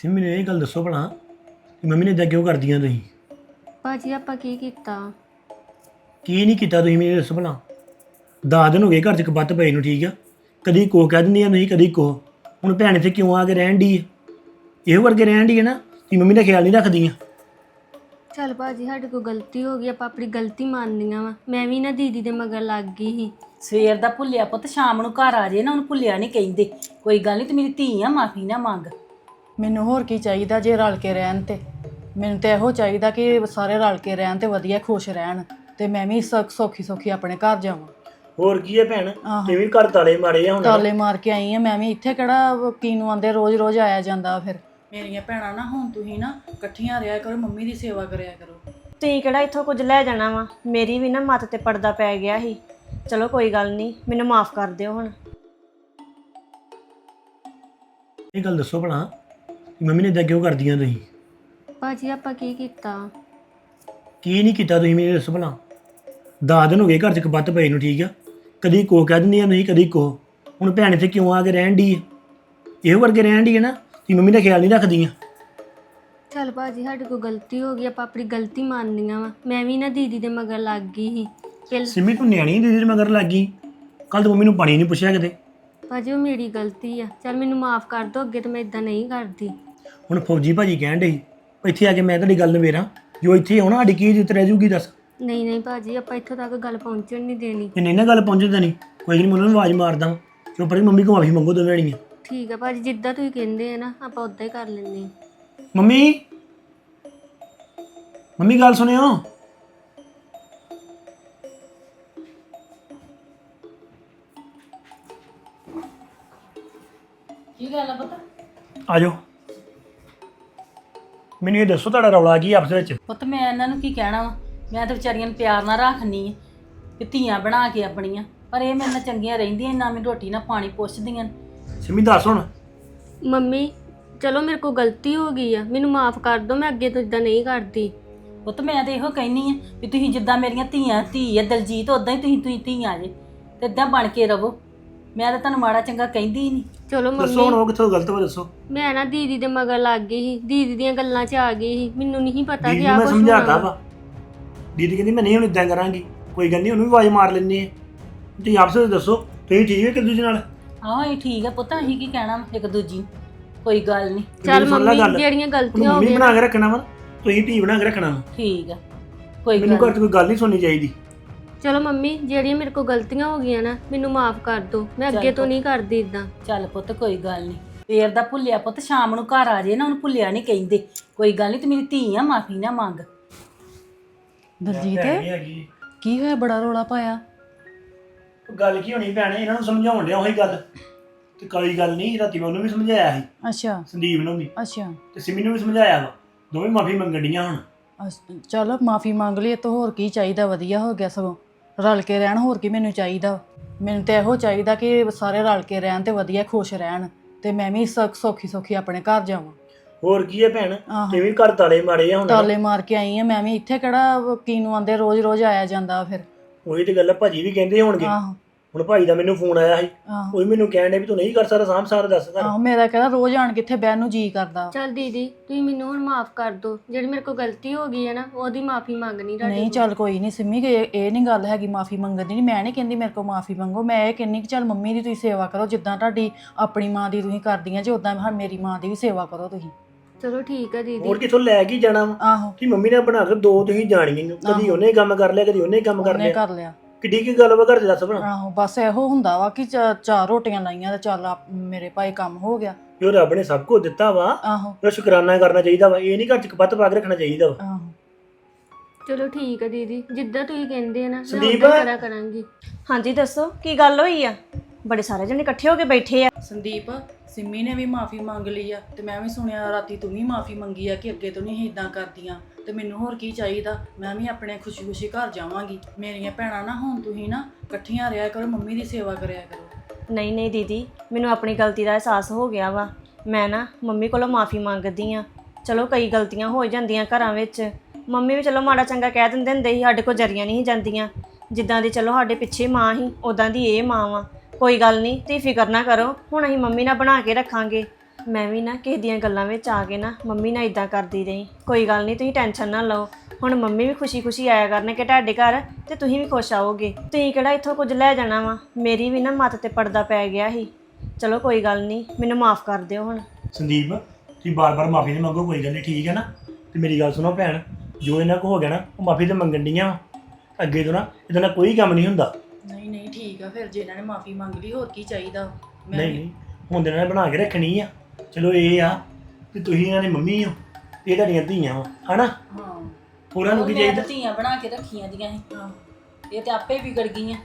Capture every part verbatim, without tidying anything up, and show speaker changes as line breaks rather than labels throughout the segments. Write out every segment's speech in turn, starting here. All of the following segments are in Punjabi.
ਸਿਮੀ ਨੇ ਇਹ ਗੱਲ ਦੱਸੋ ਭਲਾ ਕਿ ਮੰਮੀ ਨੇ ਇਦਾਂ ਕਿਉਂ ਕਰਦੀਆਂ ਤੁਸੀਂ?
ਭਾਜੀ ਆਪਾਂ ਕੀ ਕੀਤਾ?
ਕੀ ਨਹੀਂ ਕੀਤਾ ਤੁਸੀਂ ਮੈਨੂੰ ਦੱਸੋ ਭਲਾ? ਦਸ ਦਿਨ ਹੋ ਗਏ ਘਰ 'ਚ ਕਬੱਤ ਪਏ ਨੂੰ, ਠੀਕ ਆ? ਕਦੀ ਕੋ ਕਹਿ ਦਿੰਦੀਆਂ ਨਹੀਂ, ਕਦੀ ਕੋ। ਹੁਣ ਭੈਣ ਇੱਥੇ ਕਿਉਂ ਆ ਕੇ ਰਹਿਣ ਦੀ ਹੈ? ਇਹੋ ਵਰਗੇ ਰਹਿਣ ਦੀ ਹੈ ਨਾ ਕਿ ਮੰਮੀ ਦਾ ਖਿਆਲ ਨਹੀਂ ਰੱਖਦੀਆਂ।
ਚੱਲ ਭਾਜੀ ਸਾਡੇ ਕੋਲ ਗਲਤੀ ਹੋ ਗਈ, ਆਪਾਂ ਆਪਣੀ ਗਲਤੀ ਮੰਨਦੀਆਂ ਵਾ। ਮੈਂ ਵੀ ਨਾ ਦੀਦੀ ਦੇ ਮਗਰ ਲੱਗ ਗਈ ਸੀ।
ਸਵੇਰ ਦਾ ਭੁੱਲਿਆ ਪੁੱਤ ਸ਼ਾਮ ਨੂੰ ਘਰ ਆ ਜੇ ਨਾ, ਉਹਨੂੰ ਭੁੱਲਿਆ ਨਹੀਂ ਕਹਿੰਦੇ। ਕੋਈ ਗੱਲ ਨਹੀਂ, ਤੇ ਮੇਰੀ ਧੀ ਆ, ਮਾਫੀ ਨਾ ਮੰਗ।
ਮੈਨੂੰ ਹੋਰ ਕੀ ਚਾਹੀਦਾ ਜੇ ਰਲ ਕੇ ਰਹਿਣ ਤੇ? ਮੈਨੂੰ ਤੇ ਇਹੋ ਚਾਹੀਦਾ ਕਿ ਸਾਰੇ ਰਲ ਕੇ ਰਹਿਣ ਤੇ ਵਧੀਆ ਖੁਸ਼ ਰਹਿਣ, ਤੇ ਮੈਂ ਵੀ ਸੁੱਖ ਸੌਖੀ ਸੌਖੀ ਆਪਣੇ ਘਰ ਜਾਵਾਂ।
ਹੋਰ ਕੀ ਹੈ ਭੈਣ, ਤੇ ਵੀ ਘਰ ਤਾਲੇ ਮਾਰੇ ਆ ਹੁਣ।
ਤਾਲੇ ਮਾਰ ਕੇ ਆਈ ਆ ਮੈਂ ਵੀ। ਇੱਥੇ ਕਿਹੜਾ ਕੀ ਨੂੰ ਆਂਦੇ ਰੋਜ਼ ਰੋਜ਼ ਆਇਆ ਜਾਂਦਾ। ਫਿਰ ਮੇਰੀਆਂ ਭੈਣਾਂ ਨਾ ਹੁਣ ਤੁਸੀਂ ਨਾ ਇਕੱਠੀਆਂ ਰਿਹਾ ਕਰੋ, ਮੰਮੀ ਦੀ ਸੇਵਾ ਕਰਿਆ ਕਰੋ।
ਤੁਸੀਂ ਕਿਹੜਾ ਇੱਥੋਂ ਕੁਝ ਲੈ ਜਾਣਾ ਵਾ? ਮੇਰੀ ਵੀ ਨਾ ਮੱਤ ਤੇ ਪਰਦਾ ਪੈ ਗਿਆ ਸੀ। ਚਲੋ ਕੋਈ ਗੱਲ ਨਹੀਂ, ਮੈਨੂੰ ਮਾਫ ਕਰ ਦਿਓ ਹੁਣ।
ਇਹ ਗੱਲ ਦੱਸੋ ਭਲਾ ਕਿ ਮੰਮੀ ਨੇ ਇਦਾਂ ਕਿਉਂ ਕਰਦੀਆਂ ਤੁਸੀਂ?
ਭਾਜੀ ਆਪਾਂ ਕੀ ਕੀਤਾ?
ਕੀ ਨਹੀਂ ਕੀਤਾ ਤੁਸੀਂ ਮੈਨੂੰ ਦੱਸੋ ਭਲਾ? ਦਸ ਦਿਨ ਹੋ ਗਏ ਘਰ 'ਚ ਕਬੱਤ ਪਏ ਨੂੰ, ਠੀਕ ਆ? ਕਦੀ ਕੋ ਕਹਿ ਦਿੰਦੀਆਂ ਨਹੀਂ, ਕਦੀ ਕੋ। ਹੁਣ ਭੈਣ ਇੱਥੇ ਕਿਉਂ ਆ ਕੇ ਰਹਿਣ ਦੀ ਹੈ? ਇਹੋ ਵਰਗੇ ਰਹਿਣ ਦੀ ਹੈ ਨਾ ਕਿ ਮੰਮੀ ਦਾ ਖਿਆਲ ਨਹੀਂ ਰੱਖਦੀਆਂ।
ਚੱਲ ਭਾਜੀ ਸਾਡੇ ਕੋਲ ਗਲਤੀ ਹੋ ਗਈ, ਆਪਾਂ ਆਪਣੀ ਗਲਤੀ ਮੰਨਦੀਆਂ ਵਾ। ਮੈਂ ਵੀ ਨਾ ਦੀਦੀ ਦੇ ਮਗਰ ਲੱਗ ਗਈ ਸੀ। ਪਹਿਲ
ਸਿੰਮੀ ਤੂੰ ਨਿਆਣੀ ਦੀਦੀ ਦੇ ਮਗਰ ਲੱਗ ਗਈ। ਕੱਲ ਤੂੰ ਮੰਮੀ ਨੂੰ ਪਾਣੀ ਨਹੀਂ ਪੁੱਛਿਆ ਕਿਤੇ।
ਭਾਜੀ ਉਹ ਮੇਰੀ ਗਲਤੀ ਆ, ਚੱਲ ਮੈਨੂੰ ਮਾਫ ਕਰ ਦਿਓ। ਅੱਗੇ ਤੋਂ ਮੈਂ ਇਦਾਂ ਨਹੀਂ ਕਰਦੀ।
ਹੁਣ ਫੌਜੀ ਭਾਜੀ ਕਹਿਣ ਡੇ ਇੱਥੇ ਆ ਕੇ ਮੈਂ ਤੁਹਾਡੀ ਗੱਲ ਨਵੇਰਾਂ, ਜੋ ਇੱਥੇ ਆਉਣਾ ਸਾਡੀ ਕੀ ਇੱਜ਼ਤ ਰਹਿ ਜੂਗੀ ਦੱਸ?
ਨਹੀਂ ਨਹੀਂ ਭਾਜੀ ਆਪਾਂ ਇੱਥੋਂ ਤੱਕ ਗੱਲ ਪਹੁੰਚਣ ਨਹੀਂ ਦੇਣੀ।
ਜੇ ਨਹੀਂ ਨਾ ਗੱਲ ਪਹੁੰਚਦਾ ਨਹੀਂ, ਕੋਈ ਨਹੀਂ, ਮੈਂ ਉਹਨਾਂ ਨੂੰ ਆਵਾਜ਼ ਮਾਰਦਾ ਵਾਂ। ਚੁੱਪ ਰਹੀ, ਮੰਮੀ ਕੋਲ ਮਾਫੀ ਮੰਗੋ ਦੋਵੇਂ ਜਣੀਆਂ।
ਠੀਕ ਆ ਭਾਜੀ, ਜਿੱਦਾਂ ਤੁਸੀਂ ਕਹਿੰਦੇ ਆ ਨਾ ਆਪਾਂ ਉਦਾਂ ਹੀ ਕਰ ਲੈਂਦੇ ਹਾਂ।
ਮੰਮੀ ਮੰਮੀ ਗੱਲ ਸੁਣਿਓ।
ਕੀ ਗੱਲ ਆ ਪੁੱਤ?
ਆ ਜਾਓ। ਮੈਨੂੰ ਇਹ ਦੱਸੋ ਤੁਹਾਡਾ ਰੌਲਾ ਕੀ ਆਪਸ ਵਿੱਚ?
ਪੁੱਤ ਮੈਂ ਇਹਨਾਂ ਨੂੰ ਕੀ ਕਹਿਣਾ ਵਾ? ਮੈਂ ਤਾਂ ਵਿਚਾਰੀਆਂ ਨੂੰ ਪਿਆਰ ਨਾਲ ਰੱਖਣੀ ਆ ਕਿ ਧੀਆਂ ਬਣਾ ਕੇ ਆਪਣੀਆਂ, ਪਰ ਇਹ ਮੇਰੇ ਨਾਲ ਚੰਗੀਆਂ ਰਹਿੰਦੀਆਂ, ਨਾ ਮੈਨੂੰ ਰੋਟੀ ਨਾ ਪਾਣੀ ਪੁੱਛਦੀਆਂ।
ਸਿੰਮੀ ਦੱਸ ਹੁਣ।
ਮੰਮੀ ਚਲੋ ਮੇਰੇ ਕੋਲ ਗਲਤੀ ਹੋ ਗਈ ਆ, ਮੈਨੂੰ ਮਾਫ ਕਰ ਦਿਓ। ਮੈਂ ਅੱਗੇ ਤੋਂ ਇਦਾਂ ਨਹੀਂ ਕਰਦੀ।
ਪੁੱਤ ਮੈਂ ਤਾਂ ਇਹੋ ਕਹਿਨੀ ਆ ਵੀ ਤੁਸੀਂ ਜਿੱਦਾਂ ਮੇਰੀਆਂ ਧੀਆਂ ਧੀ ਆ ਦਲਜੀਤ, ਉਦਾਂ ਹੀ ਤੁਸੀਂ ਤੁਸੀਂ ਧੀਆਂ ਜੇ, ਤੇ ਇਦਾਂ ਬਣ ਕੇ ਰਹੋ। ਮੈਂ ਤਾਂ ਤੁਹਾਨੂੰ ਮਾੜਾ ਚੰਗਾ ਕਹਿੰਦੀ ਹੀ ਨਹੀਂ।
ਚਲੋ
ਦੱਸੋ ਹੁਣ
ਮੰਮੀ
ਉਹ ਕਿੱਥੋਂ ਗਲਤ ਵਾ, ਦੱਸੋ।
ਮੈਂ ਨਾ ਦੀਦੀ ਦੇ ਮਗਰ ਲੱਗ ਗਈ ਸੀ, ਦੀਦੀ ਦੀਆਂ ਗੱਲਾਂ 'ਚ ਆ ਗਈ ਸੀ। ਮੈਨੂੰ ਨਹੀਂ ਪਤਾ
ਦੀਦੀ
ਕਿ
ਨੂੰ
ਆ
ਮੈਂ
ਕੁਝ
ਸਮਝਾਤਾ ਵਾ। ਦੀਦੀ ਕਹਿੰਦੀ ਮੈਂ ਨਹੀਂ ਹੁਣ ਇਦਾਂ ਕਰਾਂਗੀ। ਕੋਈ ਗੱਲ ਨਹੀਂ, ਉਹਨੂੰ ਵੀ ਆਵਾਜ਼ ਮਾਰ ਲੈਂਦੇ ਆ। ਤੁਸੀਂ ਆਪਸ ਵਿੱਚ ਦੱਸੋ, ਤੁਸੀਂ ਠੀਕ ਹੋ ਇੱਕ ਦੂਜੇ ਨਾਲ?
ਆਹੋ ਇਹ ਠੀਕ ਆ ਪੁੱਤ, ਅਸੀਂ ਕੀ ਕਹਿਣਾ ਵਾ ਇੱਕ ਦੂਜੀ ਨੂੰ? ਕੋਈ ਗੱਲ ਨਹੀਂ।
ਚੱਲ
ਸੁਣ ਲੈ ਗੱਲ।
ਮੰਮੀ ਜਿਹੜੀਆਂ ਗਲਤੀਆਂ ਹੋ
ਮੰਮੀ
ਗਈਆਂ
ਬਣਾ ਕੇ ਰੱਖਣਾ ਵਾ, ਤੁਸੀਂ ਧੀ ਬਣਾ ਕੇ ਰੱਖਣਾ ਵਾ।
ਠੀਕ ਆ, ਕੋਈ
ਮੈਨੂੰ
ਗੱਲ
ਘਰ 'ਚ ਕੋਈ ਗੱਲ ਨਹੀਂ ਸੁਣਨੀ ਚਾਹੀਦੀ।
ਚਲੋ ਮੰਮੀ ਜਿਹੜੀਆਂ ਮੇਰੇ ਕੋਲ ਗਲਤੀਆਂ ਹੋ ਗਈਆਂ ਨਾ ਮੈਨੂੰ ਮਾਫ ਕਰ ਦਿਓ। ਮੈਂ ਅੱਗੇ ਤੋਂ ਨਹੀਂ ਕਰਦੀ ਇਦਾਂ।
ਚੱਲ ਪੁੱਤ ਕੋਈ ਗੱਲ ਨਹੀਂ। ਸਵੇਰ ਦਾ ਭੁੱਲਿਆ ਪੁੱਤ ਸ਼ਾਮ ਨੂੰ ਘਰ ਆ ਜੇ ਨਾ, ਉਹਨੂੰ ਭੁੱਲਿਆ ਨਹੀਂ ਕਹਿੰਦੇ। ਕੋਈ ਗੱਲ ਨਹੀਂ, ਤੇ ਮੇਰੀ ਧੀ ਆ, ਮਾਫੀ ਨਾ ਮੰਗ।
ਦਲਜੀਤ
ਭੈਣ ਨਹੀਂ ਹੈਗੀ।
ਕੀ ਹੋਇਆ, ਬੜਾ ਰੌਲਾ ਪਾਇਆ?
ਗੱਲ ਕੀ ਹੋਣੀ ਭੈਣੇ, ਇਹਨਾਂ ਨੂੰ ਸਮਝਾਉਣ ਡਿਆ ਉਹੀ ਗੱਲ। ਤੇ ਕੋਈ ਗੱਲ ਨਹੀਂ, ਰਾਤੀ ਮੈਂ ਉਹਨੂੰ ਵੀ ਸਮਝਾਇਆ ਸੀ,
ਅੱਛਾ
ਸੰਦੀਪ ਨੂੰ ਵੀ,
ਅੱਛਾ
ਤੇ ਸਿਮੀ ਨੂੰ ਵੀ ਸਮਝਾਇਆ ਵਾ। ਦੋਵੇਂ ਮਾਫੀ ਮੰਗਣ ਡੀਆਂ ਹੁਣ।
ਅੱਛ- ਚਲ ਮਾਫੀ ਮੰਗ ਲਈ, ਇਹ ਤੋਂ ਹੋਰ ਕੀ ਚਾਹੀਦਾ? ਵਧੀਆ ਹੋ ਗਿਆ ਸਗੋਂ। ਰਲ ਕੇ ਰਹਿਣ, ਹੋਰ ਕੀ ਮੈਨੂੰ ਚਾਹੀਦਾ? ਮੈਨੂੰ ਤੇ ਇਹੋ ਚਾਹੀਦਾ ਕਿ ਸਾਰੇ ਰਲ ਕੇ ਰਹਿਣ ਤੇ ਵਧੀਆ ਖੁਸ਼ ਰਹਿਣ, ਤੇ ਮੈਂ ਵੀ ਸੁੱਖ ਸੌਖੀ ਸੌਖੀ ਆਪਣੇ ਘਰ ਜਾਵਾਂ।
ਹੋਰ ਕੀ ਹੈ ਭੈਣ,
ਆਹੋ।
ਤੇ ਵੀ ਘਰ ਤਾਲੇ ਮਾਰੇ ਆ ਹੁਣ।
ਤਾਲੇ ਮਾਰ ਕੇ ਆਈ ਆ ਮੈਂ ਵੀ। ਇੱਥੇ ਕਿਹੜਾ ਕੀ ਨੂੰ ਆਂਦੇ ਰੋਜ਼ ਰੋਜ਼ ਆਇਆ ਜਾਂਦਾ। ਫਿਰ
ਉਹੀ ਤੇ ਗੱਲ ਆ, ਭਾਜੀ ਵੀ ਕਹਿੰਦੇ ਹੋਣਗੇ।
ਆਹੋ
ਹੁਣ ਭਾਈ ਦਾ ਮੈਨੂੰ ਫੋਨ ਆਇਆ ਸੀ,
ਆਹੋ
ਉਹ ਵੀ ਮੈਨੂੰ ਕਹਿਣ ਡੇ ਵੀ ਤੂੰ ਨਹੀਂ ਕਰ ਸਕਦਾ ਸਾਂਭ ਸਾਰਾ, ਦੱਸ ਕਰ।
ਆਹੋ ਮੇਰਾ ਕਹਿੰਦਾ ਰੋਜ਼ ਆਣ ਕਿੱਥੇ ਬਹਿਣ ਨੂੰ ਜੀ ਕਰਦਾ।
ਚੱਲ ਦੀਦੀ ਤੁਸੀਂ ਮੈਨੂੰ ਹੁਣ ਮਾਫ ਕਰ ਦਿਓ। ਜਿਹੜੀ ਮੇਰੇ ਕੋਲ ਗਲਤੀ ਹੋ ਗਈ ਹੈ ਨਾ ਉਹਦੀ ਮਾਫੀ ਮੰਗਣੀ ਤੁਹਾਡੇ
ਨਹੀਂ ਚੱਲ ਕੋਈ ਨਹੀਂ ਸਿੰਮੀ, ਕਿ ਇਹ ਇਹ ਨਹੀਂ ਗੱਲ ਹੈਗੀ ਮਾਫੀ ਮੰਗਣ ਦੀ। ਨਹੀਂ, ਮੈਂ ਨਹੀਂ ਕਹਿੰਦੀ ਮੇਰੇ ਕੋਲ ਮਾਫੀ ਮੰਗੋ। ਮੈਂ ਇਹ ਕਹਿੰਦੀ ਕਿ ਚੱਲ ਮੰਮੀ ਦੀ ਤੁਸੀਂ ਸੇਵਾ ਕਰੋ, ਜਿੱਦਾਂ ਤੁਹਾਡੀ ਆਪਣੀ ਮਾਂ ਦੀ ਤੁਸੀਂ ਕਰਦੀਆਂ ਜੇ, ਉਦਾਂ ਹਾਂ ਮੇਰੀ ਮਾਂ ਦੀ ਵੀ ਸੇਵਾ ਕਰੋ ਤੁਸੀਂ।
ਚਲੋ ਠੀਕ ਹੈ ਦੀਦੀ।
ਹੋਰ ਕਿੱਥੋਂ ਲੈ ਕੇ ਜਾਣਾ ਵਾ?
ਆਹੋ
ਕਿ ਮੰਮੀ ਨੇ ਬਣਾ ਕੇ ਦੋ ਤੁਸੀਂ ਜਾਣੀਆਂ ਨੂੰ, ਕਦੀ ਉਹਨੇ ਕੰਮ ਕਰ ਲਿਆ, ਕਦੀ ਉਹਨੇ ਕੰਮ ਕਰ
ਉਹਨੇ
ਲਿਆ।
ਕਰ ਲਿਆ।
ਕਿੱਡੀ ਕੀ ਗੱਲ ਵਾ ਘਰ 'ਚ, ਦੱਸ ਬਣਾ।
ਆਹੋ ਬਸ ਇਹੋ ਹੁੰਦਾ ਵਾ ਕਿ ਚਾ- ਚਾਰ ਰੋਟੀਆਂ ਲਾਈਆਂ ਤੇ ਚੱਲ ਆ- ਮੇਰੇ ਭਾਈ ਕੰਮ ਹੋ ਗਿਆ।
ਜੋ ਰੱਬ ਨੇ ਸਭ ਕੁਝ ਦਿੱਤਾ ਵਾ,
ਆਹੋ
ਉਹਦਾ ਸ਼ੁਕਰਾਨਾ ਕਰਨਾ ਚਾਹੀਦਾ ਵਾ। ਇਹ ਨਹੀਂ ਘਰ 'ਚ ਕਪੱਤ ਪਾ ਕੇ ਰੱਖਣਾ ਚਾਹੀਦਾ ਵਾ।
ਆਹੋ
ਚਲੋ ਠੀਕ ਹੈ ਦੀਦੀ, ਜਿੱਦਾਂ ਤੁਸੀਂ ਕਹਿੰਦੇ ਆ ਨਾ ਮੈਂ
ਸੰਦੀਪ।
ਉਦਾਂ ਕਰਾ ਕਰਾਂਗੀ।
ਹਾਂਜੀ ਦੱਸੋ ਕੀ ਗੱਲ ਹੋਈ ਆ? ਬੜੇ ਸਾਰੇ ਜਣੇ ਇਕੱਠੇ ਹੋ ਕੇ ਬੈਠੇ ਆ।
ਸੰਦੀਪ, ਸਿੰਮੀ ਨੇ ਵੀ ਮਾਫੀ ਮੰਗ ਲਈ ਆ, ਤੇ ਮੈਂ ਵੀ ਸੁਣਿਆ ਰਾਤੀ ਤੂੰ ਵੀ ਮਾਫੀ ਮੰਗੀ ਆ ਕਿ ਅੱਗੇ ਤੋਂ ਨਹੀਂ ਇਦਾਂ ਕਰਦੀਆਂ। ਤੇ ਮੈਨੂੰ ਹੋਰ ਕੀ ਚਾਹੀਦਾ? ਮੈਂ ਵੀ ਆਪਣੇ ਖੁਸ਼ੀ ਖੁਸ਼ੀ ਘਰ ਜਾਵਾਂਗੀ। ਮੇਰੀਆਂ ਭੈਣਾਂ ਨਾ ਹੁਣ ਤੁਸੀਂ ਨਾ ਇਕੱਠੀਆਂ ਰਿਹਾ ਕਰੋ, ਮੰਮੀ ਦੀ ਸੇਵਾ ਕਰਿਆ ਕਰੋ।
ਨਹੀਂ ਨਹੀਂ ਦੀਦੀ, ਮੈਨੂੰ ਆਪਣੀ ਗਲਤੀ ਦਾ ਅਹਿਸਾਸ ਹੋ ਗਿਆ ਵਾ। ਮੈਂ ਨਾ ਮੰਮੀ ਕੋਲੋਂ ਮਾਫੀ ਮੰਗਦੀ ਆ। ਚਲੋ ਕਈ ਗਲਤੀਆਂ ਹੋ ਜਾਂਦੀਆਂ ਘਰਾਂ ਵਿੱਚ। ਮੰਮੀ ਵੀ ਚਲੋ ਮਾੜਾ ਚੰਗਾ ਕਹਿ ਦਿੰਦੇ ਹੁੰਦੇ ਸੀ, ਸਾਡੇ ਕੋਲ ਜਰੀਆਂ ਨਹੀਂ ਜਾਂਦੀਆਂ। ਜਿੱਦਾਂ ਦੀ ਚਲੋ ਸਾਡੇ ਪਿੱਛੇ ਮਾਂ ਸੀ, ਉਦਾਂ ਦੀ ਇਹ ਮਾਂ ਵਾ। ਕੋਈ ਗੱਲ ਨਹੀਂ, ਤੁਸੀਂ ਫਿਕਰ ਨਾ ਕਰੋ। ਹੁਣ ਅਸੀਂ ਮੰਮੀ ਨਾਲ ਬਣਾ ਕੇ ਰੱਖਾਂਗੇ। ਮੈਂ ਵੀ ਨਾ ਕਿਸੇ ਦੀਆਂ ਗੱਲਾਂ ਵਿੱਚ ਆ ਕੇ ਨਾ ਮੰਮੀ ਨਾਲ ਇਦਾਂ ਕਰਦੀ ਰਹੀ। ਕੋਈ ਗੱਲ ਨਹੀਂ, ਤੁਸੀਂ ਟੈਨਸ਼ਨ ਨਾ ਲਓ। ਹੁਣ ਮੰਮੀ ਵੀ ਖੁਸ਼ੀ-ਖੁਸ਼ੀ ਆਇਆ ਕਰਨਗੇ ਤੁਹਾਡੇ ਘਰ ਤੇ ਤੁਸੀਂ ਵੀ ਖੁਸ਼ ਆਓਗੇ। ਤੁਸੀਂ ਕਿਹੜਾ ਇੱਥੋਂ ਕੁਝ ਲੈ ਜਾਣਾ ਵਾ। ਮੇਰੀ ਵੀ ਨਾ ਮੱਤ ਤੇ ਪਰਦਾ ਪੈ ਗਿਆ ਸੀ। ਚਲੋ ਕੋਈ ਗੱਲ ਨਹੀਂ, ਮੈਨੂੰ ਮਾਫ ਕਰ ਦਿਓ ਹੁਣ।
ਸੰਦੀਪ ਤੁਸੀਂ ਬਾਰ-ਬਾਰ ਮਾਫੀ ਨਹੀਂ ਮੰਗੋ, ਕੋਈ ਗੱਲ ਨਹੀਂ, ਠੀਕ ਹੈ ਨਾ। ਤੇ ਮੇਰੀ ਗੱਲ ਸੁਣੋ ਭੈਣ, ਜੋ ਇਹਨਾਂ ਕੋ ਹੋ ਗਿਆ ਨਾ ਉਹ ਮਾਫੀ ਤੇ ਮੰਗਣ ਡੀਆਂ ਵਾ। ਅੱਗੇ ਤੋਂ ਨਾ ਇਹਦਾ ਨਾਲ ਕੋਈ ਕੰਮ ਨਹੀਂ ਹੁੰਦਾ।
ਨਹੀਂ ਨਹੀਂ ਠੀਕ ਆ, ਫਿਰ ਜੇ ਇਹਨਾਂ ਨੇ ਮਾਫੀ ਮੰਗ ਲਈ ਹੋਰ ਕੀ ਚਾਹੀਦਾ। ਮੈਂ
ਨਹੀਂ
ਵੀ-
ਨਹੀਂ ਹੁਣ ਦੇ ਨਾਲ ਬਣਾ ਕੇ ਰੱਖਣੀ ਆ। ਚਲੋ ਇਹ ਆ ਕਿ ਤੁਸੀਂ ਇਹਨਾਂ ਦੀ ਮੰਮੀ ਹੋ, ਇਹ ਤੁਹਾਡੀਆਂ ਧੀਆਂ ਵਾ, ਹਨਾ।
ਹਾਂ
ਹੋਰਾਂ ਨੂੰ ਕੀ
ਮੈਂ
ਚਾਹੀਦਾ।
ਤਾਂ ਧੀਆਂ ਬਣਾ ਕੇ ਰੱਖੀਆਂ ਦੀਆਂ ਸੀ।
ਹਾਂ
ਇਹ ਤੇ ਆਪੇ ਵਿਗੜ ਗਈਆਂ।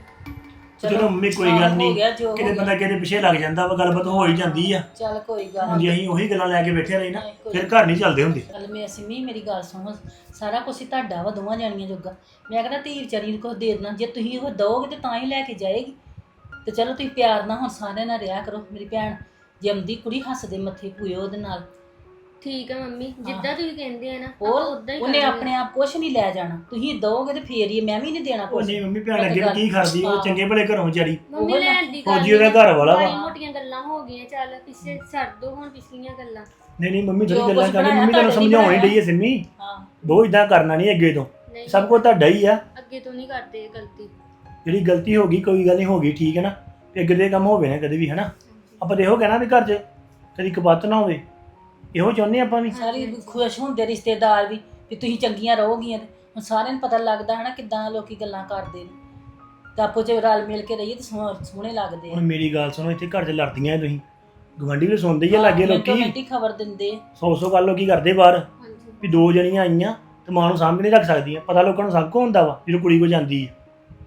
ਚਲੋ ਮੰਮੀ ਕੋਈ
ਹਾਂ,
ਗੱਲ
ਹੋ
ਨਹੀਂ,
ਗਿਆ ਜੋ ਹੋ
ਕਿਤੇ
ਗਿਆ।
ਬੰਦਾ ਕਿਤੇ ਪਿੱਛੇ ਲੱਗ ਜਾਂਦਾ ਵਾ, ਗੱਲਬਾਤ ਹੋ ਹੀ ਜਾਂਦੀ ਆ।
ਚੱਲ ਕੋਈ ਗੱਲ
ਹੁਣ ਜੇ ਅਸੀਂ ਉਹੀ ਗੱਲਾਂ ਲੈ ਕੇ ਬੈਠੇ ਰਹੇ ਨਾ
ਨਹੀਂ, ਕੋਈ
ਫਿਰ ਘਰ ਨਹੀਂ ਚੱਲਦੇ ਹੁੰਦੇ।
ਚੱਲ ਮੈਂ ਸਿੰਮੀ ਮੇਰੀ ਗੱਲ ਸੁਣੋ, ਸਾਰਾ ਕੁਝ ਹੀ ਤੁਹਾਡਾ ਵਾ, ਦੋਵਾਂ ਜਾਣੀਆਂ ਜੋਗਾ। ਮੈਂ ਕਹਿੰਦਾ ਧੀ ਵਿਚਾਰੀ ਨੂੰ ਕੁਝ ਦੇ ਦੇਣਾ, ਜੇ ਤੁਸੀਂ ਉਹ ਦਓਗੇ ਤੇ ਤਾਂ ਹੀ ਲੈ ਕੇ ਜਾਏਗੀ। ਤੇ ਚਲੋ ਤੁਸੀਂ ਪਿਆਰ ਨਾਲ ਹੁਣ ਸਾਰਿਆਂ ਨਾਲ ਰਿਹਾ ਕਰੋ। ਮੇਰੀ ਭੈਣ ਜੰਮਦੀ ਕੁੜੀ ਹੱਸਦੇ ਮੱਥੇ ਪੂਏ ਉਹਦੇ ਨਾਲ।
ਠੀਕ ਆ ਮੰਮੀ, ਜਿੱਦਾਂ ਤੁਸੀਂ ਕਹਿੰਦੇ ਆ ਨਾ
ਹੋਰ
ਉਦਾਂ ਹੀ
ਉਹਨੇ
ਕਰਾਂਗੇ।
ਆਪਣੇ ਆਪ ਕੁਝ ਨਹੀਂ ਲੈ ਜਾਣਾ, ਤੁਸੀਂ ਦਓਗੇ ਤੇ ਫੇਰ ਹੀ। ਮੈਂ ਵੀ ਨਹੀਂ ਦੇਣਾ
ਉਹ
ਕੁਝ।
ਨਹੀਂ ਮੰਮੀ ਭੈਣ ਅੱਗੇ ਕੀ ਕਰਦੀ, ਉਹ ਚੰਗੇ ਭਲੇ ਘਰੋਂ ਵਿਚਾਰੀ।
ਮੰਮੀ ਲੈਣ ਦੀ
ਫੌਜੀ ਉਹਦਾ ਘਰ ਵਾਲਾ ਵਾ।
ਮਾੜੀ ਮੋਟੀਆਂ ਗੱਲਾਂ ਹੋ ਗਈਆਂ, ਚੱਲ ਪਿੱਛੇ ਛੱਡ ਦੋ ਹੁਣ ਪਿਛਲੀਆਂ ਗੱਲਾਂ।
ਨਹੀਂ ਨਹੀਂ ਮੰਮੀ
ਜੋ
ਜਿਹੜੀ ਗੱਲਾਂ
ਕੁਛ
ਕਰਦੀ
ਬਣਾਇਆ
ਮੰਮੀ ਤੁਹਾਨੂੰ
ਤੁਹਾਡੇ ਲਈ
ਸਮਝਾਉਣ ਹੀ
ਬਣਾਇਆ।
ਡਈ ਹੈ ਸਿੰਮੀ।
ਹਾਂ
ਦੋ ਇਦਾਂ ਕਰਨਾ ਨਹੀਂ ਅੱਗੇ ਤੋਂ,
ਨਹੀਂ
ਸਭ ਕੁਝ ਤੁਹਾਡਾ ਹੀ ਆ।
ਅੱਗੇ ਤੋਂ ਨਹੀਂ ਕਰਦੇ ਇਹ ਗਲਤੀ।
ਜਿਹੜੀ ਗਲਤੀ ਹੋ ਗਈ ਕੋਈ ਗੱਲ ਨਹੀਂ, ਹੋ ਗਈ, ਠੀਕ ਹੈ ਨਾ। ਤੇ ਅੱਗੇ ਦੇ ਕੰਮ ਹੋਵੇ ਨਾ ਕਦੇ ਵੀ, ਹਨਾ। ਆਪਾਂ ਤੇ ਇਹੋ ਕਹਿਣਾ ਵੀ ਘਰ 'ਚ ਕਦੀ ਕਬੱਤ ਨਾ ਹੋਵੇ, ਇਹੋ ਚਾਹੁੰਦੇ ਆਪਾਂ ਵੀ।
ਸਾਰੇ ਖੁਸ਼ ਹੁੰਦੇ ਰਿਸ਼ਤੇਦਾਰ ਵੀ ਵੀ ਤੁਸੀਂ ਚੰਗੀਆਂ ਰਹੋਗੀਆਂ। ਤੇ ਹੁਣ ਸਾਰਿਆਂ ਨੂੰ ਪਤਾ ਲੱਗਦਾ ਹੈ ਨਾ ਕਿੱਦਾਂ ਲੋਕੀ ਗੱਲਾਂ ਕਰਦੇ ਨੇ। ਤਾਂ ਆਪੋ 'ਚ ਰਲ ਮਿਲ ਕੇ ਰਹੀਏ ਤੇ ਸੋਹ- ਸੋਹਣੇ ਲੱਗਦੇ
ਹੁਣ
ਆ।
ਮੇਰੀ ਗੱਲ ਸੁਣੋ, ਇੱਥੇ ਘਰ 'ਚ ਲੜਦੀਆਂ ਤੁਸੀਂ, ਗਵਾਂਢੀ ਵੀ ਸੁਣਦੇ ਹੀ ਆ ਲਾਗੇ ਲੋਕੀ।
ਮਿੰਟੋ ਖਬਰ ਦਿੰਦੇ ਆ।
ਸੌ ਸੌ ਗੱਲ ਲੋਕੀ ਕਰਦੇ ਬਾਹਰ
ਹਾਂਜੀ
ਵੀ ਦੋ ਜਣੀਆਂ ਆਈਆਂ ਤੇ ਮਾਂ ਨੂੰ ਸਾਂਭ ਨਹੀਂ ਰੱਖ ਸਕਦੀਆਂ। ਪਤਾ ਲੋਕਾਂ ਨੂੰ ਸਭ ਕੁਝ ਹੁੰਦਾ ਵਾ ਜਦੋਂ ਕੁੜੀ ਕੋ ਜਾਂਦੀ ਹੈ।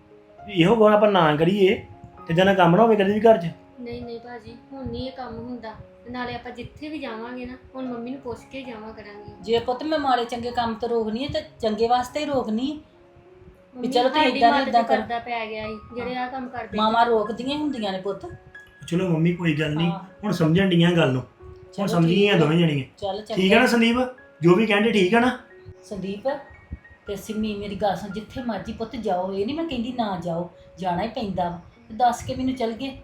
ਵੀ ਇਹੋ ਗੱਲ ਆਪਾਂ ਨਾ ਕਰੀਏ ਤੇ ਜਨਾ ਕੰਮ ਨਾ ਹੋਵੇ ਕਦੇ ਵੀ ਘਰ 'ਚ।
ਨਹੀਂ ਨਹੀਂ ਭਾਜੀ, ਹੁਣ ਨਹੀਂ ਇਹ ਕੰਮ ਹੁੰਦਾ। ਤੇ ਨਾਲੇ ਆਪਾਂ ਜਿੱਥੇ ਵੀ ਜਾਵਾਂਗੇ ਨਾ ਹੁਣ ਮੰਮੀ ਨੂੰ ਪੁੱਛ ਕੇ ਜਾਵਾਂ ਕਰਾਂਗੇ।
ਜੇ ਪੁੱਤ ਮੈਂ ਮਾੜੇ ਚੰਗੇ ਕੰਮ ਤੋਂ ਰੋਕਣੀ ਹੈ ਤੇ ਚੰਗੇ ਵਾਸਤੇ ਹੀ ਰੋਕਣੀ ਹੈ।
ਮੰਮੀ
ਚਲੋ ਤੁਸੀਂ
ਸਾਡੀ
ਏਦਾਂ ਨੀ
ਮੱਤ
ਏਦਾਂ
ਤੇ
ਕਰੋ।
ਪਰਦਾ ਪੈ ਗਿਆ ਸੀ ਜਿਹੜੇ ਆ ਕੰਮ ਕਰਦੇ।
ਮਾਵਾਂ ਰੋਕਦੀਆਂ ਹੁੰਦੀਆਂ ਨੇ ਪੁੱਤ।
ਚਲੋ ਮੰਮੀ ਕੋਈ ਗੱਲ ਨਹੀਂ,
ਹਾਂ।
ਹੁਣ ਸਮਝਣ ਡੀਆਂ ਗੱਲ ਨੂੰ। ਹੁਣ
ਚਲੋ
ਸਮਝ ਗਈਆਂ ਦੋਵੇਂ ਜਣੀਆਂ।
ਚੱਲ ਚੰਗਾ।
ਠੀਕ ਹੈ ਨਾ ਸੰਦੀਪ, ਜੋ ਵੀ ਕਹਿੰਦੇ ਠੀਕ ਹੈ ਨਾ।
ਸੰਦੀਪ ਤੇ ਸਿੰਮੀ ਮੇਰੀ ਗੱਲ ਸੁਣ, ਜਿੱਥੇ ਮਰਜੀ ਪੁੱਤ ਜਾਓ, ਇਹ ਨਹੀਂ ਮੈਂ ਕਹਿੰਦੀ ਨਾ ਜਾਓ, ਜਾਣਾ ਹੀ ਪੈਂਦਾ ਵਾ। ਤੇ ਦੱਸ ਕੇ ਮੈਨੂੰ ਚੱਲ ਗਏ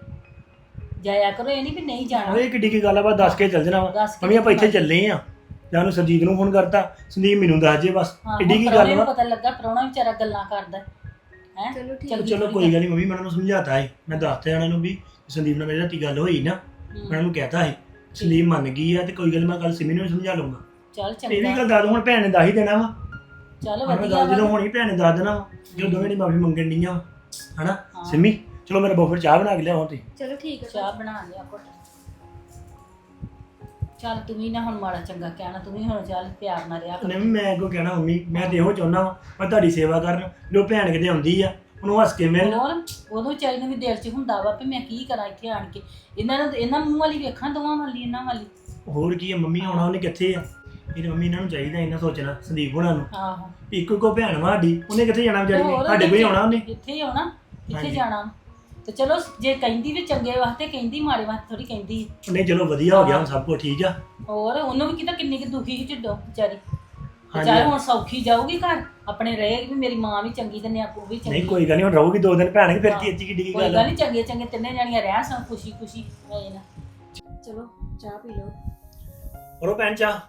ਜਾਇਆ ਕਰੋ, ਇਹ ਨਹੀਂ ਵੀ ਨਹੀਂ ਜਾਣਾ।
ਇਹ ਕਿੱਡੀ ਕੀ ਗੱਲ ਆ, ਬਸ ਦੱਸ ਕੇ ਚੱਲ ਜਣਾ ਵਾ।
ਦੱਸ ਕੇ
ਮੰਮੀ ਆਪਾਂ ਇੱਥੇ ਚੱਲੇ ਆ, ਜਾਂ ਉਹਨੂੰ ਸਰਜੀਤ ਨੂੰ ਫੋਨ ਕਰਤਾ, ਸੰਦੀਪ ਮੈਨੂੰ ਦੱਸ ਜੇ ਬਸ।
ਹਾਂ,
ਕਿੱਡੀ ਕੀ
ਹੁਣ
ਗੱਲ
ਪ੍ਰਾਹੁਣੇ ਨੂੰ
ਵਾ।
ਪਤਾ ਲੱਗਾ, ਪ੍ਰਾਹੁਣਾ ਵਿਚਾਰਾ ਗੱਲਾਂ ਕਰਦਾ ਹੈ।
ਚਲੋ ਠੀਕ।
ਚੰਗੀ
ਚਲੋ
ਥੋੜ੍ਹੀ
ਕੋਈ ਗੱਲ ਨਹੀਂ ਮੰਮੀ, ਮੈਂ ਉਹਨਾਂ ਨੂੰ ਸਮਝਾਤਾ ਹੈ। ਮੈਂ ਦੱਸਤਾ ਉਹਨਾਂ ਨੂੰ ਵੀ ਸੰਦੀਪ ਨਾਲ ਮੇਰੀ ਰਾਤੀ ਗੱਲ ਹੋਈ ਨਾ, ਮੈਂ ਉਹਨਾਂ ਨੂੰ ਕਹਿਤਾ ਹੈ। ਸੰਦੀਪ ਮੰਨ ਗਈ ਆ ਤੇ ਕੋਈ ਗੱਲ ਨੀ, ਮੈਂ ਕੱਲ ਸਿਮੀ ਨੂੰ ਵੀ ਸਮਝਾ ਲਊਂਗਾ।
ਚੱਲ
ਇਹ ਵੀ
ਚੰਗਾ।
ਗੱਲ ਦੱਸ ਦੋ, ਹੁਣ ਭੈਣ ਨੇ ਦੱਸ ਹੀ ਦੇਣਾ ਵਾ।
ਚੱਲ
ਹੁਣ
ਵਧੀਆ
ਗੱਲ ਜਦੋਂ
ਵਾ।
ਹੋਣੀ ਭੈਣ ਨੇ ਦੱਸ ਦੇਣਾ ਵਾ, ਜਦੋਂ ਦੋਵੇਂ ਨੇ ਮਾਫੀ ਮੰਗਣ ਡੀਆਂ ਵਾ, ਹਨਾ।
ਹਾਂ।
ਸਿਮੀ ਚਲੋ ਮੇਰਾ ਬੋਫਰ ਚਾਹ ਬਣਾ ਕੇ ਲਿਆਓ ਤੇ।
ਚਲੋ ਠੀਕ ਹੈ
ਚਾਹ ਬਣਾ ਲਿਆ ਘੁੱਟ। ਚੱਲ ਤੂੰ ਵੀ ਨਾ ਹੁਣ ਮਾੜਾ ਚੰਗਾ ਕਹਿਣਾ, ਤੂੰ ਵੀ ਹੁਣ ਚੱਲ ਪਿਆਰ ਨਾਲ ਰਿਹਾ ਕਰ।
ਨਹੀਂ ਮੈਂ ਅੱਗੋਂ ਕਹਿਣਾ ਮੰਮੀ, ਮੈਂ ਤੇ ਇਹੋ ਚਾਹੁੰਦਾ ਵਾ ਮੈਂ ਤੁਹਾਡੀ ਸੇਵਾ ਕਰਨ। ਜੋ ਭੈਣ ਕਿਤੇ ਆਉਂਦੀ ਆ ਉਹਨੂੰ ਹੱਸ ਕੇ ਮਿਲ।
ਹੋਰ ਉਦੋਂ ਵਿਚਾਰੀ ਨੂੰ ਵੀ ਦਿਲ 'ਚ ਹੁੰਦਾ ਵਾ ਵੀ ਮੈਂ ਕੀ ਕਰਾਂ ਇੱਥੇ ਆਣ ਕੇ। ਇਹਨਾਂ ਨੂੰ ਇਹਨਾਂ ਮੂੰਹ ਵਾਲੀ ਵੇਖਾਂ, ਦੋਵਾਂ ਵਾਲੀ ਇਹਨਾਂ ਵਾਲੀ।
ਹੋਰ ਕੀ ਆ ਮੰਮੀ, ਆਉਣਾ ਉਹਨੇ ਕਿੱਥੇ ਆ। ਇਹ ਤਾਂ ਮੰਮੀ ਇਹਨਾਂ ਨੂੰ ਚਾਹੀਦਾ ਇਹਨਾਂ ਸੋਚਣਾ, ਸੰਦੀਪ ਹੋਣਾ ਨੂੰ।
ਆਹੋ
ਇੱਕੋ ਇੱਕੋ ਭੈਣ ਵਾ ਸਾਡੀ, ਉਹਨੇ ਕਿੱਥੇ ਜਾਣਾ ਵਿਚਾਰੀ ਨੇ,
ਹੋਰ
ਸਾਡੇ ਕੋਲ ਹੀ ਆਉਣਾ ਉਹਨੇ।
ਇੱਥੇ ਹੀ ਆਉਣਾ, ਇੱਥੇ
ਹਾਂਜੀ।
ਜਾਣਾ। ਤੇ ਚਲੋ ਜੇ ਕਹਿੰਦੀ ਵੀ ਚੰਗੇ ਵਾਸਤੇ ਕਹਿੰਦੀ, ਮਾੜੇ ਵਾਸਤੇ ਥੋੜੀ ਕਹਿੰਦੀ।
ਨਹੀਂ ਚਲੋ ਵਧੀਆ ਹੋ ਗਿਆ, ਹੁਣ ਸਭ ਕੁਝ ਠੀਕ ਆ।
ਹੋਰ ਉਹਨੂੰ ਵੀ ਕਿਤਾ ਕਿੰਨੀ ਕਿ ਦੁਖੀ ਸੀ ਢਿੱਡੋਂ ਵਿਚਾਰੀ। ਤੇ
ਹਾਂਜੀ।
ਚਾਹੇ ਹੁਣ ਸੌਖੀ ਜਾਊਗੀ ਘਰ ਆਪਣੇ, ਰਹੇਗੀ ਵੀ ਮੇਰੀ ਮਾਂ ਵੀ ਚੰਗੀ ਤੇ ਨਿਆਪੂ ਵੀ ਚੰਗੀ।
ਨਹੀਂ ਕੋਈ ਗੱਲ ਨਹੀਂ, ਹੁਣ ਰਹੂਗੀ ਦੋ ਦਿਨ ਭੈਣ ਕੇ, ਫਿਰ ਕੀ ਇੱਥੇ ਕਿੱਡੀ ਕੀ
ਕੋਈ
ਗੱਲ
ਗੱਲ
ਆ।
ਨਹੀਂ, ਚੰਗੇ ਚੰਗੇ ਤਿੰਨੇ ਜਾਣੀਆਂ ਰਹਿ ਸਨ ਖੁਸ਼ੀ ਖੁਸ਼ੀ ਹੋਏ ਨਾ।
ਚਲੋ ਚਾਹ ਪੀ ਲਓ।
ਕਰੋ ਭੈਣ ਚਾਹ।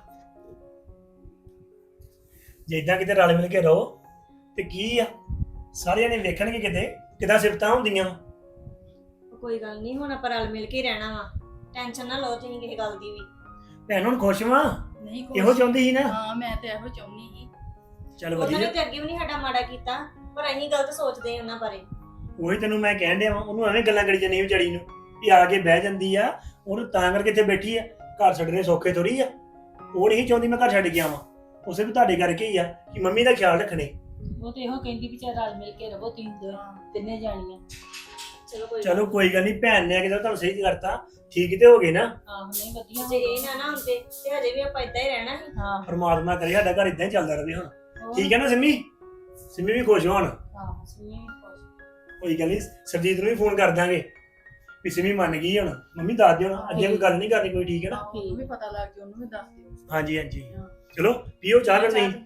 ਜੇ ਇਦਾਂ ਕਿਤੇ ਰਲ ਮਿਲ ਕੇ ਰਹੋ ਤੇ ਕੀ ਆ, ਸਾਰਿਆਂ ਨੇ ਵੇਖਣਗੇ ਕਿਤੇ ਕਿਦਾਂ ਸਿਫਤਾਂ ਹੁੰਦੀਆਂ।
ਕੋਈ ਗੱਲ ਨਹੀਂ, ਹੁਣ ਆਪਾਂ ਰਲ ਮਿਲ ਕੇ ਹੀ ਰਹਿਣਾ ਵਾ। ਟੈਨਸ਼ਨ ਨਾ ਲਓ ਤੁਸੀਂ ਕਿਸੇ ਗੱਲ ਦੀ ਵੀ।
ਭੈਣ ਹੁਣ ਖੁਸ਼ ਵਾਂ,
ਨਹੀਂ
ਇਹੋ
ਕੁਛ-
ਚਾਹੁੰਦੀ ਸੀ ਨਾ।
ਹਾਂ ਮੈਂ ਤੇ ਇਹੋ ਚਾਹੁੰਦੀ ਸੀ।
ਚੱਲ
ਉਹਨਾਂ ਨੇ
ਵਧੀਆ।
ਤੇ ਅੱਗੇ ਵੀ ਨਹੀਂ ਸਾਡਾ ਮਾੜਾ ਕੀਤਾ, ਪਰ ਅਸੀਂ ਗਲਤ ਸੋਚਦੇ ਹਾਂ ਉਹਨਾਂ ਬਾਰੇ।
ਉਹੀ ਤੈਨੂੰ ਮੈਂ ਕਹਿਣ ਡਿਆ ਵਾਂ, ਉਹਨੂੰ ਐਵੇਂ ਗੱਲਾਂ ਕਰੀ ਜਾਂਦੀ ਵਿਚਾਰੀ ਨੂੰ ਵੀ ਆ ਕੇ ਬਹਿ ਜਾਂਦੀ ਆ, ਉਹਨੂੰ ਤਾਂ ਕਰਕੇ ਇੱਥੇ ਬੈਠੀ ਆ। ਘਰ ਛੱਡਣੇ ਸੌਖੇ ਥੋੜੀ ਆ। ਉਹ ਨਹੀਂ ਚਾਹੁੰਦੀ ਮੈਂ ਘਰ ਛੱਡ ਕੇ ਆਵਾਂ, ਉਸੇ ਵੀ ਤੁਹਾਡੇ ਕਰਕੇ ਹੀ ਆ ਕਿ ਮੰਮੀ ਦਾ ਖਿਆਲ ਰੱਖਣੇ।
ਉਹ ਤੇ ਇਹੋ ਕਹਿੰਦੀ ਵੀ ਚਾਹ ਰਲ ਮਿਲ ਕੇ ਰਹੋ ਤੁਸੀਂ ਦੋਵੇਂ, ਤਿੰਨੇ ਜਾਣੀਆਂ।
ਚਲੋ ਕੋਈ
ਚਲੋ ਕੋਈ ਗੱਲ ਨਹੀਂ, ਭੈਣ ਨੇ ਕਿਹਾ ਤੁਹਾਨੂੰ ਸਹੀ ਕਰਤਾ, ਠੀਕ ਤੇ ਹੋ ਗਏ ਨਾ।
ਆਹੋ ਨਹੀਂ ਵਧੀਆ
ਜੇ ਇਹ ਨਾ ਨਾ ਹੁੰਦੇ ਤੇ ਹਜੇ ਵੀ ਆਪਾਂ ਇਦਾਂ ਹੀ ਰਹਿਣਾ ਸੀ।
ਹਾਂ
ਪਰਮਾਤਮਾ ਕਰੇ ਸਾਡਾ ਘਰ ਇਦਾਂ ਹੀ ਚੱਲਦਾ ਰਹੇ ਹੁਣ।
ਹੋਰ।
ਠੀਕ ਹੈ ਨਾ ਸਿੰਮੀ? ਸਿੰਮੀ ਵੀ ਖੁਸ਼ ਹੋਣ।
ਆਹੋ ਸੁਣੀ ਵੀ ਖੁਸ਼।
ਕੋਈ ਗੱਲ ਨਹੀਂ, ਸਰਜੀਤ ਨੂੰ ਵੀ ਫੋਨ ਕਰ ਦਾਂਗੇ ਵੀ ਸਿੰਮੀ ਮੰਨ ਗਈ ਹੁਣ। ਮੰਮੀ ਦੱਸ ਦਿਓ ਨਾ, ਅੱਗੇ ਕੋਈ ਗੱਲ ਨਹੀਂ ਕਰਨੀ ਕੋਈ, ਠੀਕ ਹੈ ਨਾ?
ਆਹੋ, ਉਹਨੂੰ ਵੀ ਪਤਾ ਲੱਗ ਗਿਆ, ਉਹਨੂੰ ਵੀ ਦੱਸ ਦਿਓ।
ਹਾਂਜੀ ਹਾਂਜੀ।
ਹਾਂ।
ਚਲੋ ਪੀਓ ਚਾਹ ਕਰ ਨਹੀਂ।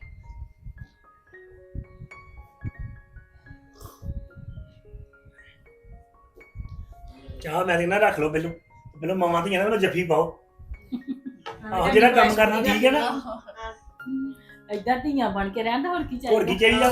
ਚਾਹ ਮੈਂ ਕਹਿੰਦਾ ਰੱਖ ਲਓ ਪਹਿਲੋਂ, ਪਹਿਲੋਂ ਮਾਵਾਂ ਧੀਆਂ ਨਾਲ ਪਹਿਲੋਂ ਜੱਫੀ ਪਾਓ, ਆਹੋ ਜਿਹੜਾ ਕੰਮ ਕਰਨਾ ਠੀਕ ਹੈ ਨਾ।
ਏਦਾਂ ਧੀਆਂ ਬਣ ਕੇ ਰਹਿਣ ਦਾ ਹੋਰ ਕੀ ਚਾਹੀਦਾ।
ਹੋਰ ਕੀ ਚਾਹੀਦਾ?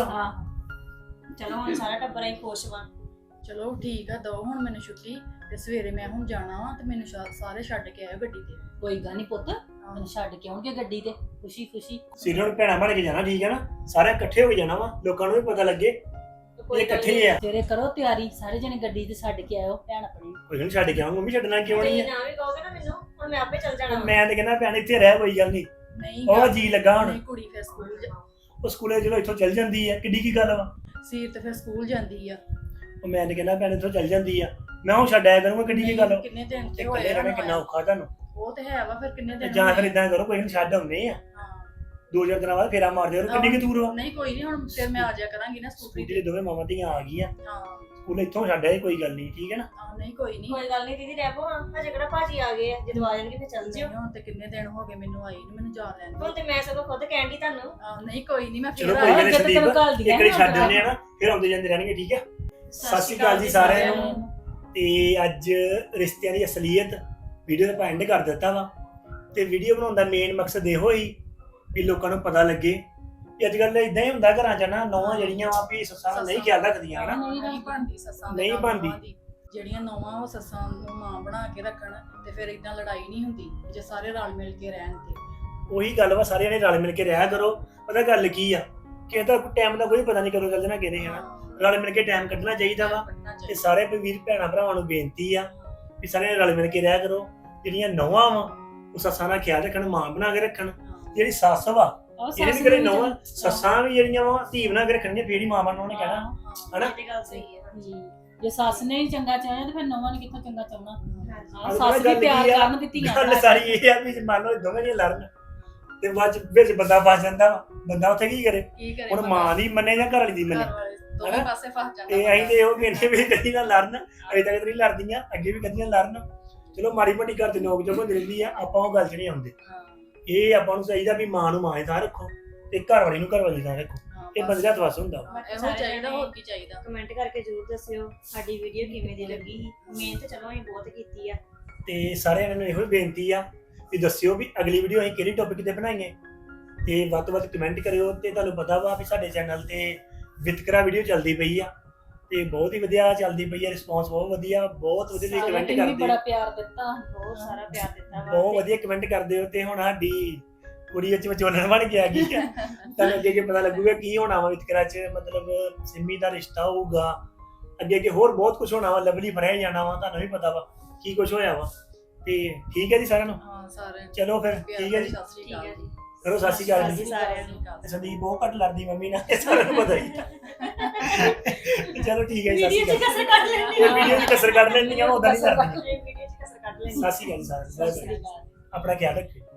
ਆਹ
ਚਲੋ ਹੁਣ ਸਾਰਾ ਟੱਬਰ ਹੀ ਖੁਸ਼ ਵਾ।
ਚਲੋ ਠੀਕ ਆ, ਦੋ ਹੁਣ ਮੈਨੂੰ ਛੁੱਟੀ ਤੇ ਸਵੇਰੇ ਮੈਂ ਹੁਣ ਜਾਣਾ ਵਾ ਤੇ ਮੈਨੂੰ ਸ਼ਾ- ਸਾਰੇ ਛੱਡ ਕੇ ਆਇਓ ਗੱਡੀ ਤੇ।
ਕੋਈ ਗੱਲ ਨਹੀਂ ਪੁੱਤ, ਮੈਨੂੰ ਛੱਡ ਕੇ ਆਉਣਗੇ ਗੱਡੀ ਤੇ ਖੁਸ਼ੀ ਖੁਸ਼ੀ।
ਸਿਰੇ ਨੂੰ ਭੈਣਾਂ ਬਣ ਕੇ ਜਾਣਾ ਠੀਕ ਹੈ ਨਾ, ਸਾਰੇ ਇਕੱਠੇ ਹੋ ਕੇ ਜਾਣਾ ਵਾ, ਲੋਕਾਂ ਨੂੰ ਵੀ ਪਤਾ ਲੱਗੇ ਇਹ ਇਕੱਠੇ ਹੀ ਆ।
ਤੇਰੇ ਕਰੋ ਤਿਆਰੀ, ਸਾਰੇ ਜਣੇ ਗੱਡੀ ਤੇ ਛੱਡ ਕੇ ਆਇਓ ਭੈਣ ਆਪਣੀ।
ਕੋਈ ਨਹੀਂ ਛੱਡ ਕੇ ਆਵਾਂਗਾ, ਮੰਮੀ ਛੱਡਣਾ ਕਿਉਂ ਨਹੀਂ
ਤੇ
ਆ?
ਨਾ ਵੀ ਕਹੋਗੇ ਨਾ ਮੈਨੂੰ, ਹੁਣ ਮੈਂ ਆਪੇ ਚੱਲ ਜਾਣਾ ਵਾ।
ਮੈਂ ਤੇ ਕਹਿੰਦਾ ਭੈਣ ਇੱਥੇ ਰਹਿ, ਕੋਈ ਗੱਲ ਨਹੀਂ,
ਨਹੀਂ
ਉਹ
ਗੱਲ-
ਜੀ ਲੱਗਾ ਹੁਣ।
ਨਹੀਂ, ਕੁੜੀ ਫਿਰ ਸਕੂਲ ਜਾ-
ਉਹ ਸਕੂਲੇ ਚਲੋ ਇੱਥੋਂ ਚੱਲ ਜਾਂਦੀ ਆ, ਕਿੱਡੀ ਕੀ ਗੱਲ ਵਾ।
ਸੀਰ ਤੇ ਫਿਰ ਸਕੂਲ ਜਾਂਦੀ ਆ।
ਉਹ ਮੈਂ ਤੇ ਕਹਿੰਦਾ ਭੈਣ ਇੱਥੋਂ ਚੱਲ ਜਾਂਦੀ ਆ, ਮੈਂ ਹੁਣ ਛੱਡ ਆਇਆ ਕਰੂੰਗਾ, ਕਿੱਡੀ ਕੀ ਗੱਲ ਵਾ।
ਕਿੰਨੇ ਦਿਨ
ਤੇ
ਤੇ
ਇਕੱਲੇ
ਹੋਏ
ਰਹਿਣਾ
ਆ
ਕਿੰਨਾ ਔਖਾ ਤੁਹਾਨੂੰ।
ਉਹ ਤੇ ਹੈ ਵਾ, ਫਿਰ ਕਿੰਨੇ
ਤੇ
ਦਿਨ
ਜਾਂ ਫਿਰ
ਹੋਏ ਆ।
ਇਦਾਂ ਕਰੋ, ਕੋਈ ਨਹੀਂ ਛੱਡ ਆਉਂਦੇ ਆ,
ਹਾਂ।
ਦੋ ਚਾਰ ਦਿਨਾਂ ਬਾਅਦ ਫੇਰਾ ਮਾਰਦੇ ਰਹੋ, ਕਿੰਨੀ ਕੀ ਦੂਰ ਵਾ।
ਨਹੀਂ ਕੋਈ ਨਹੀਂ, ਹੁਣ ਫਿਰ ਮੈਂ ਆ ਜਾਇਆ ਕਰਾਂਗੀ ਨਾ ਸਕੂਟਰੀ
ਸਕੂਟੀ
ਤੇ।
ਦੇ ਦੋਵੇਂ ਮਾਵਾਂ ਧੀਆਂ ਆ ਗਈਆਂ,
ਹਾਂ
ਸਕੂਲ ਇੱਥੋਂ ਛੱਡ ਆਏ, ਕੋਈ ਗੱਲ ਨਹੀਂ ਠੀਕ ਹੈ ਨਾ।
ਹਾਂ, ਨਹੀਂ ਕੋਈ ਨਹੀਂ।
ਕੋਈ ਗੱਲ ਨਹੀਂ ਦੀਦੀ, ਰਹਿ ਪੋ ਹਾਂ, ਹਜੇ ਕਿਹੜਾ ਭਾਜੀ ਆ ਗਏ ਆ, ਜਦੋਂ ਆ ਜਾਣਗੇ ਫਿਰ ਚੱਲ ਜਿਓ।
ਹੁਣ ਤੇ ਕਿੰਨੇ ਦਿਨ ਹੋ ਗਏ ਮੈਨੂੰ ਆਈ ਨੂੰ, ਮੈਨੂੰ ਜਾ ਲੈਣ
ਹੁਣ
ਦਿਓ।
ਤੇ ਮੈਂ ਸਗੋਂ ਖੁਦ ਕਹਿਣ ਦੀ ਤੁਹਾਨੂੰ।
ਆਹ, ਨਹੀਂ ਕੋਈ ਨਹੀਂ, ਮੈਂ
ਚਲੋ
ਫੇਰ
ਕੋਈ
ਆ
ਗੱਲ ਨਹੀਂ
ਅੱਗੇ ਤਾਂ ਤੈਨੂੰ
ਸੰਦੀਪ,
ਘੱਲ ਦੀਆਂ
ਇੱਕ ਵਾਰੀ
ਨਾ
ਛੱਡ ਆਉਂਦੇ ਆ ਨਾ, ਫਿਰ ਆਉਂਦੇ ਜਾਂਦੇ ਰਹਿਣਗੇ ਠੀਕ ਹੈ। ਸਤਿ ਸ਼੍ਰੀ ਅਕਾਲ ਜੀ ਸਾਰਿਆਂ ਨੂੰ। ਤੇ ਅੱਜ ਰਿਸ਼ਤਿਆਂ ਦੀ ਅਸਲੀਅਤ ਵੀਡੀਓ ਦਾ ਐਂਡ ਕਰ ਦਿੱਤਾ ਵਾ। ਤੇ ਵੀਡੀਓ ਬਣਾਉਣ ਦਾ ਮੇਨ ਮਕਸਦ ਇਹੋ ਹੀ ਵੀ ਲੋਕਾਂ ਨੂੰ ਪਤਾ ਲੱਗੇ ਕਿ ਅੱਜ ਕੱਲ੍ਹ ਇਦਾਂ ਹੀ ਹੁੰਦਾ ਘਰਾਂ 'ਚ ਨਾ, ਨੌਵਾਂ ਜਿਹੜੀਆਂ ਵਾ ਵੀ ਸੱਸਾਂ ਦਾ ਨਹੀਂ ਖਿਆਲ ਰੱਖਦੀਆਂ ਹਨਾ।
ਨਹੀਂ ਬਣਦੀ ਸੱਸਾਂ ਦੇ
ਨਹੀਂ
ਨਾਲ
ਬਣਦੀ।
ਨਹੁੰਆਂ ਦੀ। ਜਿਹੜੀਆਂ ਨੌਵਾਂ ਉਹ ਸੱਸਾਂ ਨੂੰ ਮਾਂ ਬਣਾ ਕੇ ਰੱਖਣ ਤੇ ਫਿਰ ਇਦਾਂ ਲੜਾਈ ਨਹੀਂ ਹੁੰਦੀ ਜੇ ਸਾਰੇ ਰਲ ਮਿਲ ਕੇ ਰਹਿਣ ਤੇ।
ਉਹੀ ਗੱਲ ਵਾ, ਸਾਰਿਆਂ ਨੇ ਰਲ ਮਿਲ ਕੇ ਰਿਹਾ ਕਰੋ। ਪਤਾ ਗੱਲ ਕੀ ਆ ਕਿ ਇਹਦਾ ਟਾਈਮ ਦਾ ਕੋਈ ਪਤਾ ਨਹੀਂ ਕਦੋਂ ਚੱਲ ਜਾਣਾ ਕਿਹਨੇ ਹਨਾ। ਰਲ ਮਿਲ ਕੇ ਟਾਈਮ ਕੱਢਣਾ ਚਾਹੀਦਾ ਵਾ।
ਕੱਢਣਾ
ਤੇ
ਚਾਹੀਦਾ।
ਸਾਰੇ ਵੀਰ ਭੈਣਾਂ ਭਰਾਵਾਂ ਨੂੰ ਬੇਨਤੀ ਆ ਵੀ ਸਾਰਿਆਂ ਨੇ ਰਲ ਮਿਲ ਕੇ ਰਿਹਾ ਕਰੋ। ਜਿਹੜੀਆਂ ਨੌਵਾਂ ਵਾ ਉਹ ਸੱਸਾਂ ਦਾ ਖਿਆਲ ਰੱਖਣ, ਮਾਂ ਬਣਾ ਕੇ ਰੱਖਣ। ਜਿਹੜੀ ਸੱਸ ਵਾ ਇਹਨੇ ਵੀ ਕਰੇ ਨੌਵਾਂ ਸੱਸਾਂ ਵੀ ਜਿਹੜੀਆਂ ਵਾ ਧੀ ਬਣਾ ਕੇ ਰੱਖਣਗੀਆਂ, ਫੇਰ ਹੀ ਮਾਂ ਬਣਾ ਉਹਨੇ ਕਹਿਣਾ ਹਨਾ।
ਇਹ ਤੇ ਗੱਲ ਸਹੀ ਹੈ।
ਜੇ ਸੱਸ ਨੇ ਹੀ ਚੰਗਾ ਚਾਹਿਆ ਤੇ ਫਿਰ ਨੌਵਾਂ ਨੇ ਕਿੱਥੋਂ ਚੰਗਾ ਚਾਹਣਾ। ਆਹ
ਅੱਜ
ਸੱਸ
ਗੱਲ
ਵੀ ਪਿਆਰ
ਕੀ ਆ?
ਕਰਨ ਦਿੱਤੀਆਂ
ਗੱਲ ਸਾਰੀ ਇਹ ਆ ਵੀ ਜੇ ਮੰਨ ਲਓ ਦੋਵੇਂ ਜੀ ਲੜਨ ਤੇ ਬਾਅਦ ਚ ਵਿੱਚ ਬੰਦਾ ਫਸ ਜਾਂਦਾ ਵਾ, ਬੰਦਾ ਉੱਥੇ ਕੀ ਕਰੇ?
ਕੀ ਕਰੇ
ਹੁਣ
ਬੰਦਾ?
ਮਾਂ ਦੀ ਮੰਨੇ ਜਾਂ ਘਰ ਵਾਲੀ ਦੀ ਮੰਨੇ?
ਘਰ ਵਾਲੇ ਦੋਵੇਂ
ਹਨਾ?
ਪਾਸੇ ਫਸ ਜਾਂਦਾ
ਤੇ ਅਸੀਂ ਤੇ ਇਹੋ ਕਹਿੰਦੇ ਵੀ ਕਦੀ ਨਾ ਲੜਨ, ਅਜੇ ਤੱਕ ਤਾਂ ਨਹੀਂ ਲੜਦੀਆਂ, ਅੱਗੇ ਵੀ ਕਦੀਆਂ ਲੜਨ। ਚਲੋ ਮਾੜੀ ਮੋਟੀ ਘਰ ਤੇ ਨੋਕ ਝੋਕ ਹੁੰਦੀ ਰਹਿੰਦੀ ਆ, ਆਪਾਂ ਉਹ ਗੱਲ 'ਚ ਨਹੀਂ ਆਉਂਦੇ।
ਹਾਂ,
ਇਹ ਆਪਾਂ ਨੂੰ ਚਾਹੀਦਾ ਵੀ ਮਾਂ ਨੂੰ ਮਾਂ ਦੀ ਥਾਂ ਰੱਖੋ ਤੇ ਘਰ ਵਾਲੀ ਨੂੰ ਘਰ ਵਾਲੀ ਦੀ ਥਾਂ ਰੱਖੋ।
ਹਾਂ,
ਇਹ
ਬਸ।
ਬੰਦੇ ਦਾ ਤਵਸ ਹੁੰਦਾ ਵਾ।
ਇਹੋ ਚਾਹੀਦਾ, ਹੋਰ ਕੀ ਚਾਹੀਦਾ।
ਕਮੈਂਟ ਕਰਕੇ ਜ਼ਰੂਰ ਦੱਸਿਓ ਸਾਡੀ ਵੀਡੀਓ ਕਿਵੇਂ ਦੀ ਲੱਗੀ ਸੀ। ਮਿਹਨਤ ਚਲੋ ਅਸੀਂ ਬਹੁਤ ਕੀਤੀ ਆ।
ਤੇ ਸਾਰਿਆਂ ਨੂੰ ਇਹੋ ਹੀ ਬੇਨਤੀ ਆ ਵੀ ਦੱਸਿਓ ਵੀ ਅਗਲੀ ਵੀਡੀਓ ਅਸੀਂ ਕਿਹੜੀ ਟੌਪਿਕ ਤੇ ਬਣਾਈਏ, ਤੇ ਵੱਧ ਤੋਂ ਵੱਧ ਕਮੈਂਟ ਕਰਿਓ। ਤੇ ਤੁਹਾਨੂੰ ਪਤਾ ਵਾ ਵੀ ਸਾਡੇ ਚੈਨਲ ਤੇ ਵਿਤਕਰਾ ਵੀਡੀਓ ਚੱਲਦੀ ਪਈ ਆ ਤੇ ਬਹੁਤ ਹੀ ਵਧੀਆ ਚੱਲਦੀ ਪਈ ਆ, ਰਿਸਪੌਂਸ ਬਹੁਤ ਵਧੀਆ, ਬਹੁਤ ਵਧੀਆ ਤੁਸੀਂ ਕਮੈਂਟ
ਵੀ
ਕਰਦੇ
ਬੜਾ
ਹੋ,
ਪਿਆਰ ਦਿੱਤਾ।
ਬਹੁਤ ਸਾਰਾ ਪਿਆਰ ਦਿੱਤਾ ਵਾ।
ਬਹੁਤ ਵਧੀਆ ਕਮੈਂਟ ਕਰਦੇ ਹੋ। ਤੇ ਹੁਣ ਸਾਡੀ ਕੁੜੀ ਵਿੱਚ ਵਿਚੋਲਣ ਬਣ ਕੇ ਆ ਗਈ ਆ। ਤੁਹਾਨੂੰ ਅੱਗੇ ਅੱਗੇ ਪਤਾ ਲੱਗੂਗਾ ਕੀ ਹੋਣਾ ਵਾ ਵਿਤਕਰਾ 'ਚ, ਮਤਲਬ ਸਿੰਮੀ ਦਾ ਰਿਸ਼ਤਾ ਹੋਊਗਾ, ਅੱਗੇ ਅੱਗੇ ਹੋਰ ਬਹੁਤ ਕੁਝ ਹੋਣਾ ਵਾ, ਲਵਲੀ ਬਣਿਆ ਜਾਣਾ ਵਾ, ਤੁਹਾਨੂੰ ਵੀ ਪਤਾ ਵਾ ਕੀ ਕੁਝ ਹੋਇਆ ਵਾ। ਤੇ ਠੀਕ ਹੈ ਜੀ ਸਾਰਿਆਂ ਨੂੰ,
ਹਾਂ, ਸਾਰੇ
ਚਲੋ ਫਿਰ
ਪਿਆਰ
ਠੀਕ ਹੈ ਜੀ,
ਸਤਿ ਸ਼੍ਰੀ
ਠੀਕ
ਅਕਾਲ
ਹੈ ਜੀ।
ਕਰੋ ਸਤਿ ਸ਼੍ਰੀ ਅਕਾਲ ਜੀ।
ਸਾਰਿਆਂ ਨੂੰ।
ਨੂੰ।
ਸੰਦੀਪ ਬਹੁਤ ਘੱਟ ਲੜਦੀ ਮੰਮੀ ਨਾਲ, ਇਹ ਸਾਰਿਆਂ ਨੂੰ ਪਤਾ ਹੀ ਆ। ਚਲੋ ਠੀਕ ਹੈ ਜੀ, ਸਤਿ
ਵੀਡੀਓ
ਸ਼੍ਰੀ
ਚ
ਅਕਾਲ।
ਕਸਰ ਕੱਢ ਲੈਣੀ ਆ।
ਵੀਡੀਓ 'ਚ ਕਸਰ ਕੱਢ ਲੈਣੀ ਆ, ਉਹਦਾ ਨਹੀਂ ਕਰਨੀ।
ਵੀਡੀਓ ਚ ਕਸਰ ਕੱਢ ਲੈਣੀ ਆ।
ਸਤਿ ਸ਼੍ਰੀ ਅਕਾਲ ਜੀ ਸਾਰਿਆਂ ਨੂੰ,
ਸਤਿ ਸ਼੍ਰੀ ਅਕਾਲ।
ਆਪਣਾ ਖਿਆਲ ਰੱਖਿਓ।